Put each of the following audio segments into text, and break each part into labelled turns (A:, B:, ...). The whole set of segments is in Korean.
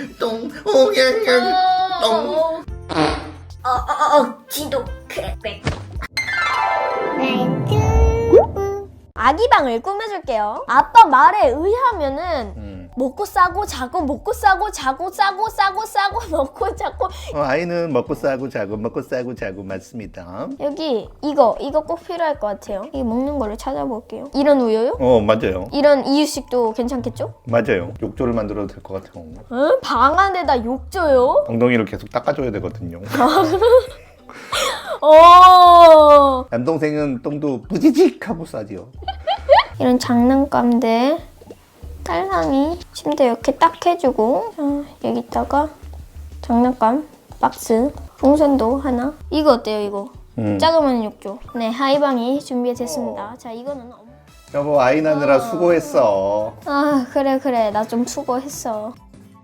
A: 똥, 옹냥냥, 똥.
B: 지독해. 아기방을 꾸며줄게요. 아빠 말에 의하면은 먹고 싸고 자고 먹고 싸고 자고 싸고 싸고 싸고 먹고 자고.
A: 아이는 먹고 싸고 자고 먹고 싸고 자고 맞습니다.
B: 여기 이거 꼭 필요할 것 같아요. 이 먹는 거를 찾아볼게요. 이런 우유요?
A: 맞아요.
B: 이런 이유식도 괜찮겠죠?
A: 맞아요. 욕조를 만들어도 될 것 같아요.
B: 응? 방 안에다 욕조요?
A: 엉덩이를 계속 닦아줘야 되거든요. 남동생은 똥도 뿌지직 하고 싸지요.
B: 이런 장난감들 딸랑이 침대 이렇게 딱 해주고, 여기다가 장난감 박스, 풍선도 하나. 이거 어때요, 이거? 작으면 욕조. 네, 하이방이 준비됐습니다. 자, 이거는
A: 여보, 아이 낳느라 수고했어.
B: 그래 나 좀 수고했어.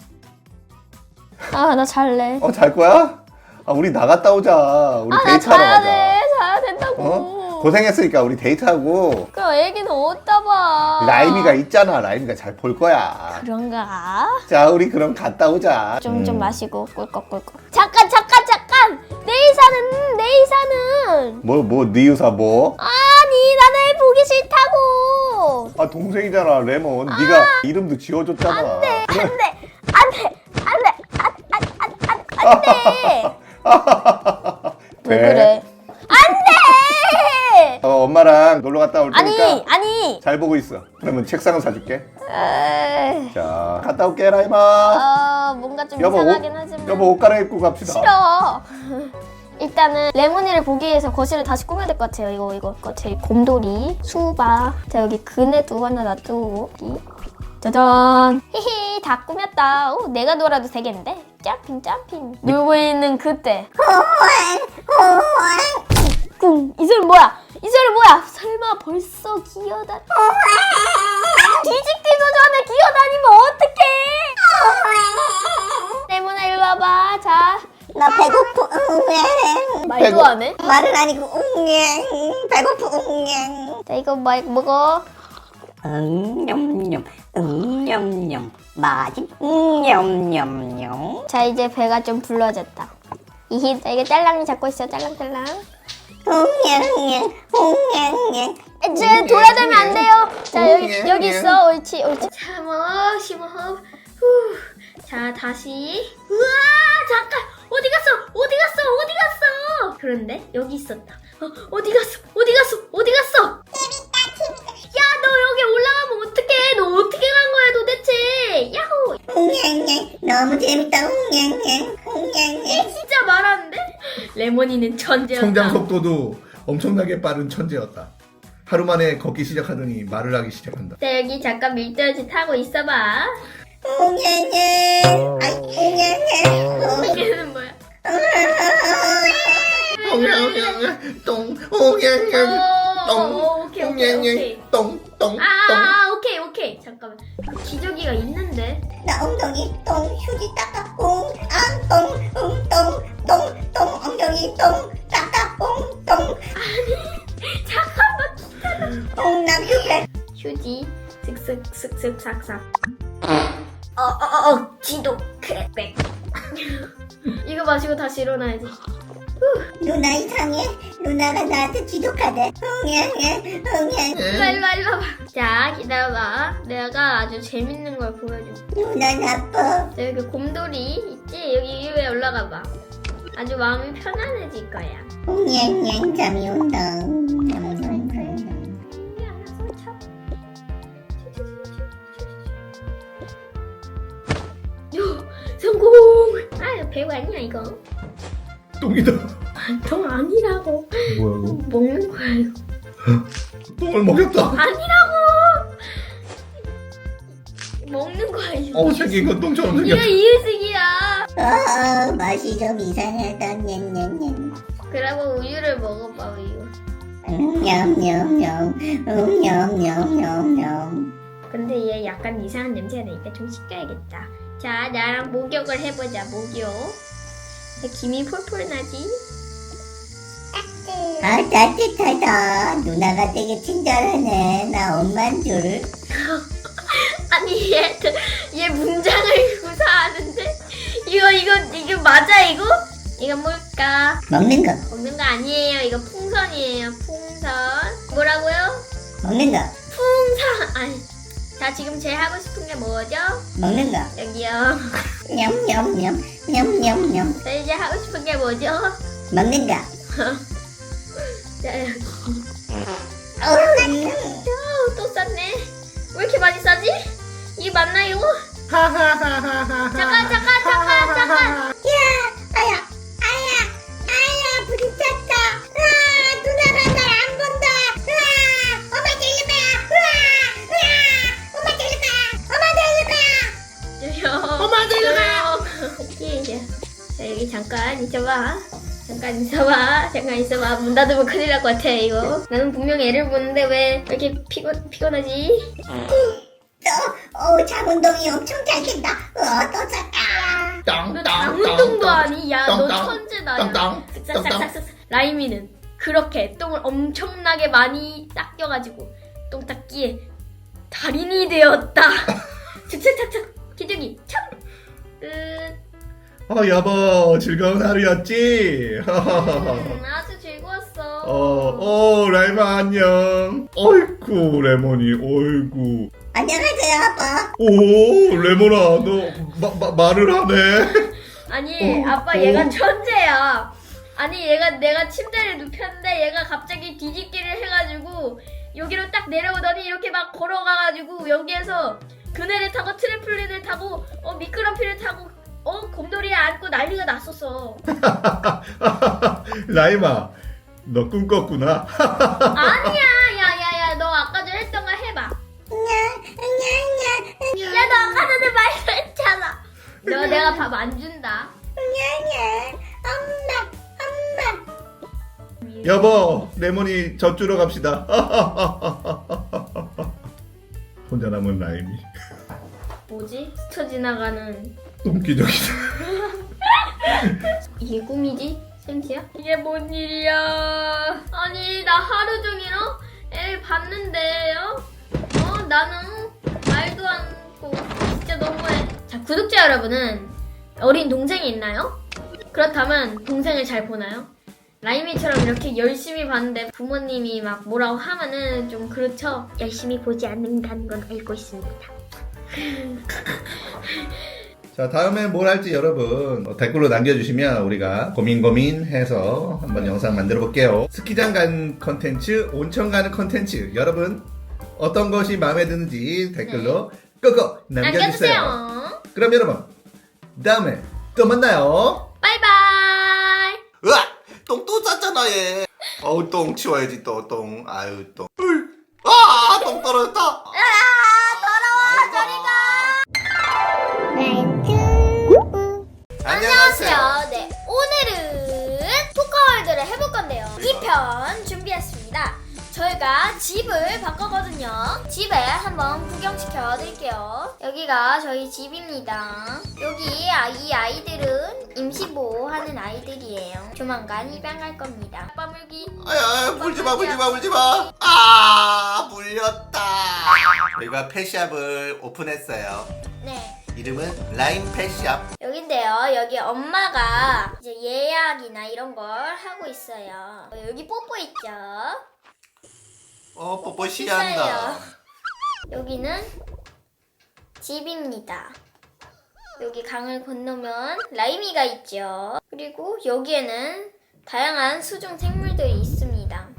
B: 나 잘래.
A: 잘 거야? 우리 나갔다 오자. 우리
B: 나
A: 데이트하러
B: 자야
A: 가자.
B: 돼. 자야 된다고.
A: 고생했으니까 우리 데이트하고.
B: 그럼 애기는 어디다 봐.
A: 라임이가 있잖아. 라임이가 잘 볼 거야.
B: 그런가?
A: 자, 우리 그럼 갔다 오자.
B: 좀 마시고 꿀꺽꿀꺽. 잠깐. 내의사는.
A: 네 유사 뭐?
B: 아니, 나는 보기 싫다고.
A: 동생이잖아, 레몬. 네가 이름도 지어줬잖아.
B: 안 돼. 왜 그래? 안 돼.
A: 엄마랑 놀러 갔다 올 테니까
B: 아니.
A: 잘 보고 있어. 그러면 책상을 사줄게.
B: 에이.
A: 자, 갔다 올게, 라임아.
B: 뭔가 좀
A: 여보,
B: 이상하긴 하지만.
A: 여보, 옷 갈아입고 갑시다.
B: 싫어. 일단은 레몬이를 보기 위해서 거실을 다시 꾸며야 될 것 같아요. 이거 제 곰돌이, 수박. 자, 여기 그네도 하나 놔두고. 여기. 짜잔. 히히, 다 꾸몄다. 내가 놀아도 되겠는데? 점핑. 놀고 있는 그때. 꿍. 이 소리 뭐야? 설마 벌써 기어다. 뒤집기도 전에 기어다니면 어떡해? 레몬아, 일로 와봐. 자.
C: 나 배고프.
B: 말도 안 해?
C: 말은 아니고 배고프.
B: 자, 이거 먹어.
C: 냠냠. 맛있. 냠냠냠.
B: 자, 이제 배가 좀 불러졌다. 자, 이거 딸랑이 잡고 있어. 딸랑딸랑. 이제 돌아다니면 안 돼요. 자, 여기 있어. 옳지. 자, 심호흡. 자, 다시. 우와, 잠깐. 어디 갔어? 그런데 여기 있었다. 어디 갔어? 야, 너 여기 올라가면 어떡해? 너 어떻게 간 거야 도대체? 야호.
C: 너무 재밌다.
B: 얘 진짜 말하는데? 레몬이는 천재였다.
A: 성장 속도도 엄청나게 빠른 천재였다. 하루 만에 걷기 시작하더니 말을 하기 시작한다.
B: 자, 여기 잠깐 밀떨지 타고 있어봐. 이게는 뭐야?
A: 똥, 옹냥냥,
B: 오케이.
A: 똥.
B: 오케이. 잠깐만. 기저귀가 있는데.
C: 나 엉덩이 똥 휴지 닦아. 똥 엉덩이 똥 닦아. 똥.
B: 잠깐만.
C: 똥남 휴지.
B: 휴지. 슥슥 삭삭.
C: 지독해.
B: 이거 마시고 다시 일어나야지.
C: 누나 이상해. 누나가 나한테 지독하대.
B: 일로 와봐. 자, 기다려봐. 내가 아주 재밌는 걸 보여줄게.
C: 누나 나빠.
B: 자, 여기 곰돌이 있지? 여기 위에 올라가봐. 아주 마음이 편안해질 거야.
C: 잠이 온다.
B: 성공! 배우 아니야 이거.
A: 똥이다.
B: 똥 아니라고.
A: 뭐야 이거?
B: 먹는 거야 이거.
A: 똥을 먹였다.
B: 아니라고. 먹는 거야 이거.
A: 생긴 건 똥처럼
B: 이거
A: 생겼다.
B: 이유식이야.
C: 맛이 좀 이상하다. 냠냠냠.
B: 그리고 우유를 먹어봐 우유.
C: 냠냠냠.
B: 근데 얘 약간 이상한 냄새가 나니까 좀 씻겨야겠다. 자, 나랑 목욕을 해보자. 목욕. 김이 폴폴 나지?
C: 따뜻하다. 누나가 되게 친절하네. 나 엄만 줄.
B: 아니 얘 문장을 구사하는데 이거 맞아 이거? 이거 뭘까?
C: 먹는 거.
B: 먹는 거 아니에요. 이거 풍선이에요. 풍선. 뭐라고요?
C: 먹는 거.
B: 풍선. 아니. 자, 지금 제일 하고 싶은 게 뭐죠?
C: 먹는 거.
B: 여기요.
C: 냠냠냠. 냠냠냠.
B: 자, 이제 하고 싶은 게 뭐죠?
C: 먹는 거.
B: 자, 여기.
C: 어우,
B: 또 쌌네. 왜 이렇게 많이 싸지? 이게 맞나요? 잠깐.
C: 아야, 부딪혔다. 으아, 누나가 날 안 본다. 으아, 엄마 데릴 거야. 엄마 데릴 거야.
B: 엄마 데리러 가요. 자, 여기 잠깐 있어봐. 문 닫으면 큰일 날 것 같아 이거. 나는 분명히 애를 보는데 왜 이렇게 피곤하지?
C: 장 운동이 엄청 잘 된다. 또 잤다.
B: 너 장운동도 아니? 야, 너 천재다.
A: 땅땅.
B: 싹싹싹싹. 라이미는 그렇게 똥을 엄청나게 많이 닦여가지고 똥 닦기에 달인이 되었다. 착착착착. 기둥이 참.
A: 여보, 즐거운 하루였지?
B: 아주 즐거웠어.
A: 라이마 안녕. 어이쿠, 레몬이, 어이구.
C: 안녕하세요, 아빠.
A: 오, 레몬아, 너 말을 하네.
B: 아니, 아빠 얘가 천재야. 아니, 내가 침대를 눕혔는데 얘가 갑자기 뒤집기를 해가지고 여기로 딱 내려오더니 이렇게 막 걸어가가지고 여기에서 그네를 타고 트램플린을 타고 미끄럼피를 타고 곰돌이에 앉고 난리가 났었어.
A: 라이마, 너 꿈꿨구나.
B: 아니야, 야야야, 너 아까 전에 했던 거 해봐. 야, 너 아까 전에 말했잖아. 너 내가 밥 안 준다.
C: 엄마.
A: 여보, 레몬이 젖 주러 갑시다. 혼자 남은 라임이.
B: 뭐지? 스쳐 지나가는
A: 똥기적이다.
B: 이게 꿈이지? 센치야? 이게 뭔 일이야? 아니, 나 하루 종일 애를 봤는데요? 나는 말도 않고 진짜 너무해. 자, 구독자 여러분은 어린 동생이 있나요? 그렇다면 동생을 잘 보나요? 라이미처럼 이렇게 열심히 봤는데 부모님이 막 뭐라고 하면은 좀 그렇죠? 열심히 보지 않는다는 건 알고 있습니다.
A: 자, 다음에 뭘 할지 여러분 댓글로 남겨주시면 우리가 고민해서 한번 영상 만들어 볼게요. 스키장 가는 컨텐츠, 온천 가는 컨텐츠, 여러분 어떤 것이 마음에 드는지 댓글로 끄고 남겨주세요. 그럼 여러분 다음에 또 만나요.
B: 바이바이.
A: 으악! 똥 또 쌌잖아 얘. 똥 치워야지 또 똥. 아유 똥. 똥 떨어졌다.
B: 더러워. 저리 가. 안녕하세요. 네, 오늘은 토카월드를 해볼 건데요. 2편 준비했습니다. 저희가 집을 바꿨거든요. 집에 한번 구경시켜 드릴게요. 여기가 저희 집입니다. 여기 이 아이들은 임시보호하는 아이들이에요. 조만간 입양할 겁니다. 아빠 물기.
A: 물지마. 물렸다. 저희가 펫샵을 오픈했어요.
B: 네.
A: 이름은 라임 펫샵.
B: 여긴데요. 여기 엄마가 이제 예약이나 이런 걸 하고 있어요. 여기 뽀뽀 있죠?
A: 뽀뽀
B: 있어요. 여기는 집입니다. 여기 강을 건너면 라이미가 있죠. 그리고 여기에는 다양한 수중 생물들이 있습니다.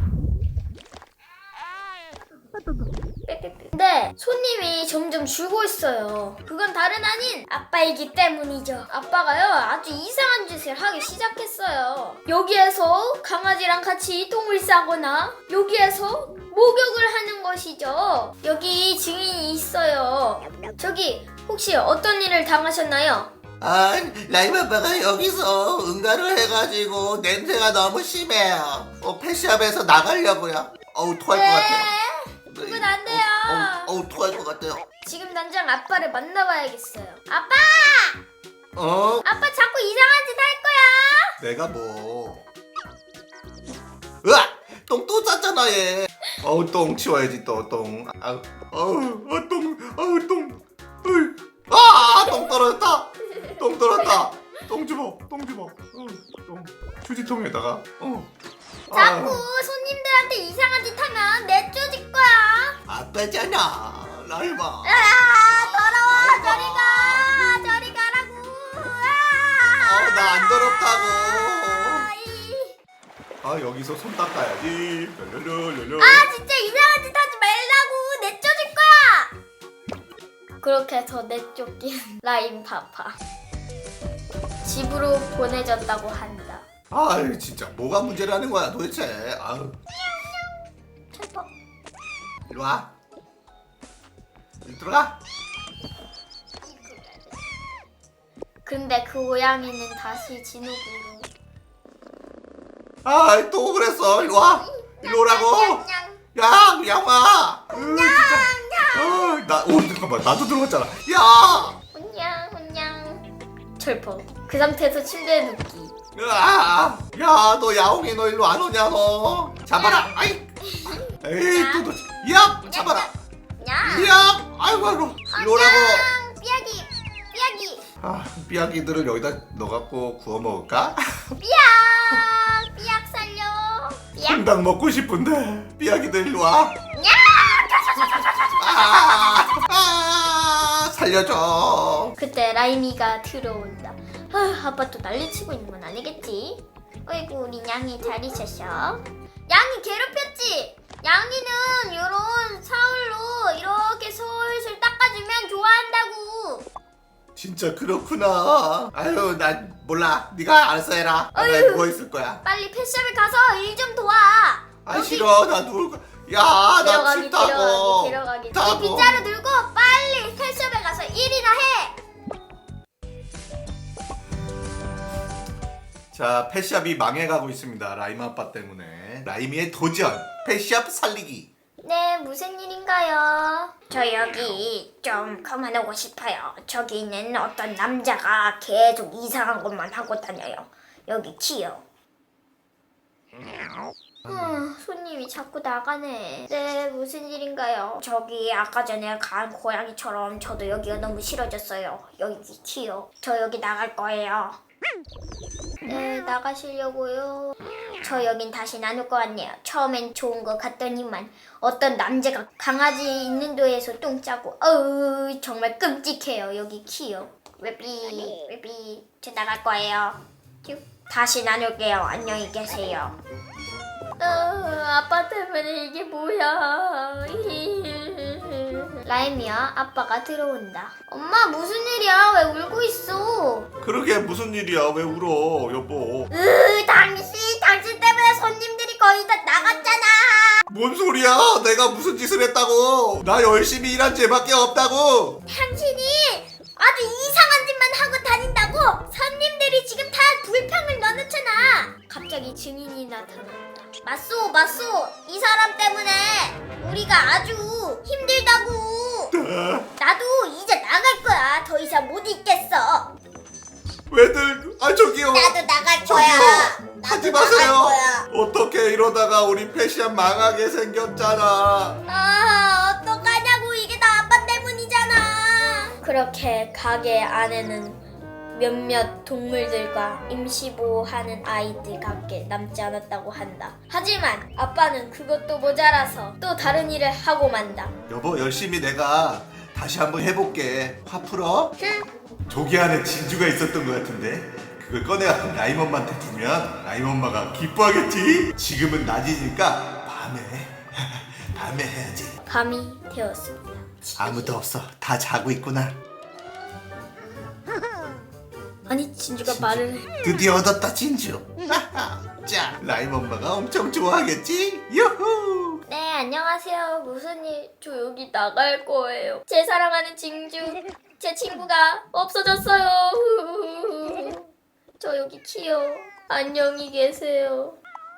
B: 근데 손님이 점점 줄고 있어요. 그건 다른 아닌 아빠이기 때문이죠. 아빠가요 아주 이상한 짓을 하기 시작했어요. 여기에서 강아지랑 같이 똥을 싸거나 여기에서 목욕을 하는 것이죠. 여기 증인이 있어요. 저기 혹시 어떤 일을 당하셨나요?
A: 라임 아빠가 여기서 응가를 해가지고 냄새가 너무 심해요. 펫샵에서 나가려고요. 토할 것 같아요.
B: 그건 안 돼요.
A: 토할 것 같아요.
B: 지금 당장 아빠를 만나봐야겠어요. 아빠! 아빠 자꾸 이상한 짓 할 거야.
A: 내가 뭐? 으악! 똥 또 쌌잖아 얘. 똥 치워야지 또 똥. 똥 떨어졌다. 똥 떨어졌다. 휴지통에다가
B: 자꾸 손님들한테 이상한 짓 하면 내쫓을 거야.
A: 아빠잖아 라이마.
B: 더러워. 저리 가라고.
A: 나 안 더럽다고.
B: 이.
A: 여기서 손 닦아야지. 랄랄랄랄.
B: 진짜 이상한 짓 하지 말라고. 내쫓을 거야. 그렇게 해서 내쫓긴 라임 파파. 집으로 보내졌다고 한다.
A: 진짜 뭐가 문제라는 거야 도대체.
B: 찰떡.
A: 이리 와. 이리 들어가.
B: 근데 그 고양이는 다시 진흙으로.
A: 또 그랬어. 이리 와. 이리 오라고. 양아. 진짜. 잠깐만 나도 들어갔잖아. 야.
B: 혼냥. 철퍼. 그 상태에서 침대에 눕기.
A: 너 야옹이 너 일로 안 오냐 너. 잡아라. 에이 또 야 잡아라. 야 아이고 일로 오라고.
B: 삐약이.
A: 삐약이들을 여기다 넣어갖고 구워 먹을까?
B: 삐약 살려.
A: 통닭 먹고 싶은데 삐약이들 일로 와. 살려줘.
B: 그때 라임이가 들어온다. 아빠 또 난리치고 있는 건 아니겠지? 어이구 우리 양이 잘 있었어. 양이 괴롭혔지? 양이는 요런 사울로 이렇게 솔솔 닦아주면 좋아한다고.
A: 진짜 그렇구나. 난 몰라. 네가 알아서 해라. 나 누워있을 거야.
B: 빨리 펫샵에 가서 일 좀 도와.
A: 싫어. 나 누울 거야. 나 싫다고.
B: 데려가기.
A: 싫다고.
B: 이 빗자루 들고 빨리 펫샵에 가서 일이나 해.
A: 자, 펫샵이 망해가고 있습니다. 라임 아빠 때문에. 라임이의 도전. 펫샵 살리기.
B: 네, 무슨 일인가요? 저 여기 좀 그만하고 싶어요. 저기 있는 어떤 남자가 계속 이상한 것만 하고 다녀요. 여기 키요. 손님이 자꾸 나가네. 네, 무슨 일인가요? 저기 아까 전에 간 고양이처럼 저도 여기가 너무 싫어졌어요. 여기 키요. 저 여기 나갈 거예요. 네, 나가시려고요? 저 여긴 다시 나눌 것 같네요. 처음엔 좋은 것 같더니만 어떤 남자가 강아지 있는 데에서 똥 싸고 정말 끔찍해요. 여기 키요. 웨비 저 나갈 거예요. 큐. 다시 나눌게요. 안녕히 계세요. 아빠 때문에 이게 뭐야. 라임이야, 아빠가 들어온다. 엄마 무슨 일이야? 왜 울고 있어?
A: 그러게 무슨 일이야? 왜 울어, 여보?
B: 당신 때문에 손님들이 거의 다 나갔잖아.
A: 뭔 소리야? 내가 무슨 짓을 했다고? 나 열심히 일한 죄밖에 없다고.
B: 당신이 아주 이상한 짓만 하고 다닌다고 손님들이 지금 다 불평을 넣어놓잖아. 갑자기 증인이 나타났다. 맞소, 이 사람 때문에 우리가 아주 힘들다고. 나도 이제 나갈 거야. 더 이상 못 있겠어.
A: 왜들? 저기요.
B: 나도 나갈
A: 저기요.
B: 거야.
A: 하지
B: 나도
A: 마세요.
B: 나갈 거야.
A: 어떻게 이러다가 우리 펫샵 망하게 생겼잖아.
B: 어떡하냐고. 이게 다 아빠 때문이잖아. 그렇게 가게 안에는 몇몇 동물들과 임시보호하는 아이들밖에 남지 않았다고 한다. 하지만 아빠는 그것도 모자라서 또 다른 일을 하고 만다.
A: 여보, 열심히 내가 다시 한번 해볼게. 화 풀어? 조기 안에 진주가 있었던 것 같은데 그걸 꺼내가 라임 엄마한테 주면 라임 엄마가 기뻐하겠지? 지금은 낮이니까 밤에 해야지.
B: 밤이 되었습니다.
A: 아무도 없어. 다 자고 있구나.
B: 아니, 진주가 말을 해.
A: 드디어 얻었다 진주. 자, 라임 엄마가 엄청 좋아하겠지? 유후.
B: 네, 안녕하세요. 무슨 일? 저 여기 나갈 거예요. 제 사랑하는 진주, 제 친구가 없어졌어요. 저 여기 키요. 안녕히 계세요.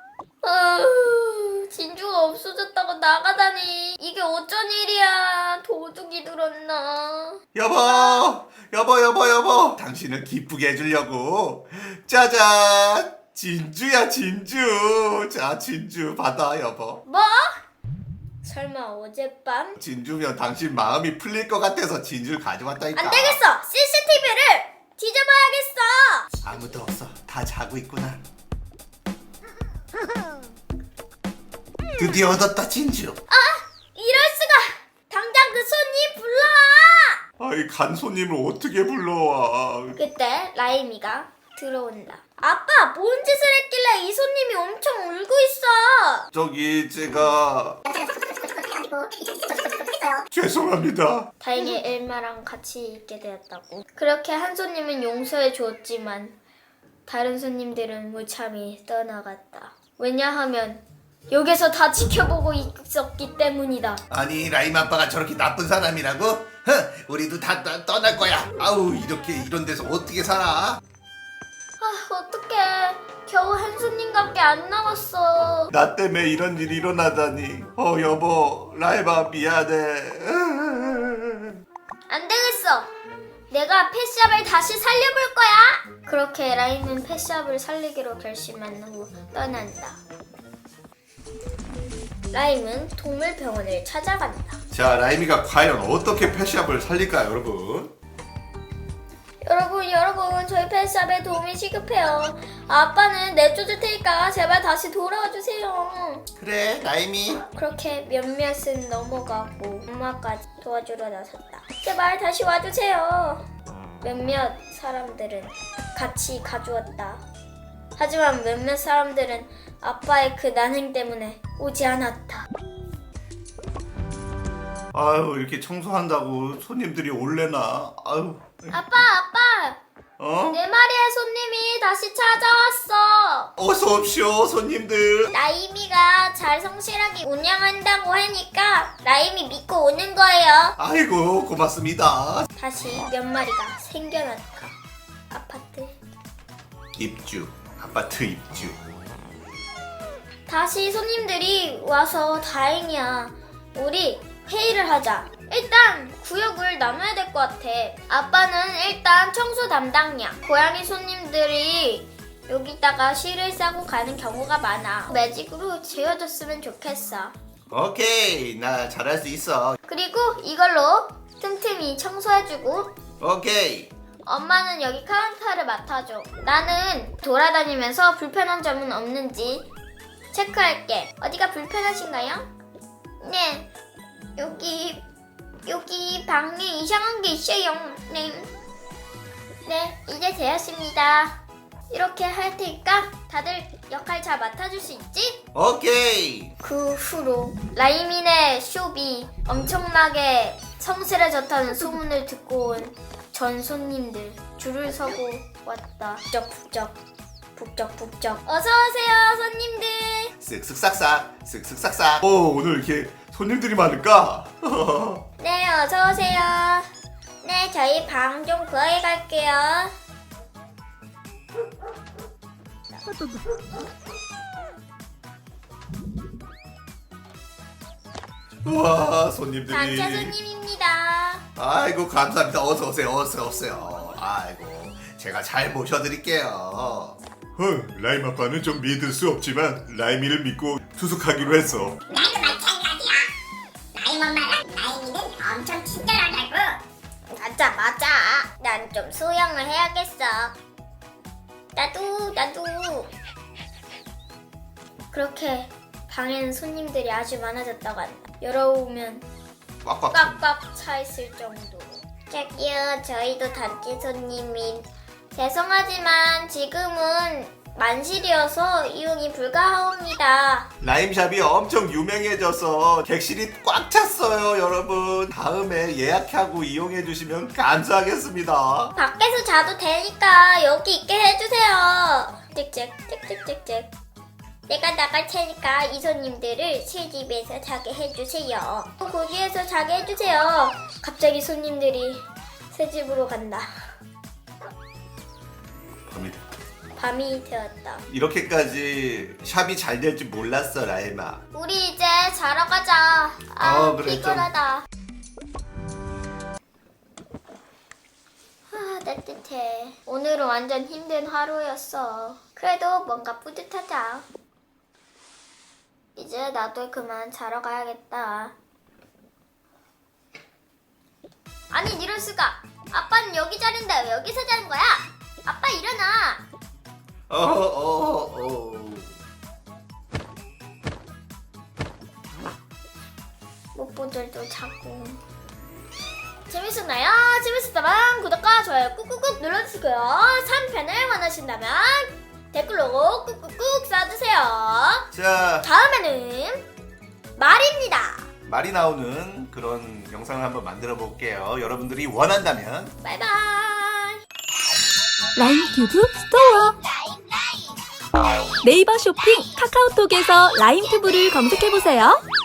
B: 진주가 없어졌다고 나가다니. 이게 어쩐 일이야. 도둑이 들었나?
A: 여보. 당신을 기쁘게 해주려고. 짜잔. 진주야, 진주. 자, 진주 받아, 여보.
B: 뭐? 설마 어젯밤?
A: 진주면 당신 마음이 풀릴 것 같아서 진주를 가져왔다니까.
B: 안 되겠어. CCTV를 뒤져봐야겠어.
A: 아무도 없어. 다 자고 있구나. 드디어 얻었다 진주.
C: 이럴 수가. 당장 그 손님 불러와.
A: 아이 간 손님을 어떻게 불러와?
B: 그때 라임이가 들어온다. 아빠, 뭔 짓을 했길래 이 손님이 엄청 울고 있어?
A: 저기 제가 죄송합니다.
B: 다행히 엘마랑 같이 있게 되었다고. 그렇게 한 손님은 용서해 주었지만 다른 손님들은 무참히 떠나갔다. 왜냐하면 여기서 다 지켜보고 있었기 때문이다.
A: 아니 라임 아빠가 저렇게 나쁜 사람이라고? 우리도 다 떠날 거야. 아우 이렇게 이런 데서 어떻게 살아?
B: 어떡해. 겨우 한 손님밖에 안 남았어.
A: 나 때문에 이런 일이 일어나다니. 여보 라임아 미안해.
B: 안 되겠어. 내가 펫샵을 다시 살려볼 거야. 그렇게 라임은 펫샵을 살리기로 결심한 후 떠난다. 라임은 동물병원을 찾아간다.
A: 자 라임이가 과연 어떻게 펫샵을 살릴까요 여러분?
B: 여러분, 저희 펫샵에 도움이 시급해요. 아빠는 내쫓을 테니까 제발 다시 돌아와 주세요.
A: 그래 라임이.
B: 그렇게 몇몇은 넘어가고 엄마까지 도와주러 나섰다. 제발 다시 와주세요. 몇몇 사람들은 같이 가주었다. 하지만 몇몇 사람들은 아빠의 그 난행 때문에 오지 않았다.
A: 아유 이렇게 청소한다고 손님들이 올래나? 아유.
B: 아빠!
A: 어?
B: 내 마리의 손님이 다시 찾아왔어.
A: 어서 옵시오 손님들.
B: 라임이가 잘 성실하게 운영한다고 하니까 라임이 믿고 오는 거예요.
A: 아이고 고맙습니다.
B: 다시 몇 마리가 생겨났다. 아파트.
A: 입주. 아파트 입주.
B: 다시 손님들이 와서 다행이야. 우리 회의를 하자. 일단 구역을 나눠야 될 것 같아. 아빠는 일단 청소 담당이야. 고양이 손님들이 여기다가 실을 싸고 가는 경우가 많아. 매직으로 지워줬으면 좋겠어.
A: 오케이 나 잘할 수 있어.
B: 그리고 이걸로 틈틈이 청소해주고
A: 오케이.
B: 엄마는 여기 카운터를 맡아줘. 나는 돌아다니면서 불편한 점은 없는지 체크할게. 어디가 불편하신가요? 네, 여기 방에 이상한 게 있어요. 네, 이제 되었습니다. 이렇게 할 테니까 다들 역할 잘 맡아줄 수 있지?
A: 오케이.
B: 그 후로 라이민의 숍이 엄청나게 성실해졌다는 소문을 듣고 온 전 손님들 줄을 서고 왔다. 북적북적 어서오세요 손님들.
A: 쓱쓱싹싹 쓱쓱싹싹. 오늘 이렇게 손님들이 많을까?
B: 네, 어서오세요. 네, 저희 방 좀 구하게 갈게요.
A: 와 손님들이.
B: 단체 손님입니다.
A: 아이고 감사합니다. 어서 오세요. 어서 오세요. 아이고 제가 잘 모셔드릴게요. 라임 아빠는 좀 믿을 수 없지만 라임이를 믿고 투숙하기로 했어.
C: 나도 마찬가지야. 라임 엄마랑 라임이는 엄청 친절하다고.
B: 맞아. 난 좀 수영을 해야겠어. 나도. 그렇게 방에는 손님들이 아주 많아졌다고 한다. 열어오면
A: 꽉꽉.
B: 꽉꽉 차 있을 정도. 저기요, 저희도 단체 손님인. 죄송하지만 지금은 만실이어서 이용이 불가하옵니다.
A: 라임샵이 엄청 유명해져서 객실이 꽉 찼어요 여러분. 다음에 예약하고 이용해 주시면 감사하겠습니다.
B: 밖에서 자도 되니까 여기 있게 해주세요. 찍찍. 내가 나갈 테니까 이 손님들을 새 집에서 자게 해주세요. 거기에서 자게 해주세요. 갑자기 손님들이 새 집으로 간다. 밤이 되었다.
A: 이렇게까지 샵이 잘 될 줄 몰랐어 라임아.
B: 우리 이제 자러 가자.
A: 그래,
B: 피곤하다. 따뜻해. 오늘은 완전 힘든 하루였어. 그래도 뭔가 뿌듯하다. 이제 나도 그만 자러 가야겠다. 아니 이럴 수가. 아빠는 여기 자는데 왜 여기서 자는 거야? 아빠 일어나. 뽀뽀들도 자고. 재밌었나요? 재밌었다면 구독과 좋아요 꾹꾹꾹 눌러주시고요. 3편을 원하신다면 댓글로 꾹꾹꾹 써주세요.
A: 자,
B: 다음에는 말입니다.
A: 말이 나오는 그런 영상을 한번 만들어 볼게요. 여러분들이 원한다면.
B: 바이바이.
D: 라임튜브 스토어 네이버 쇼핑 카카오톡에서 라임튜브를 검색해보세요.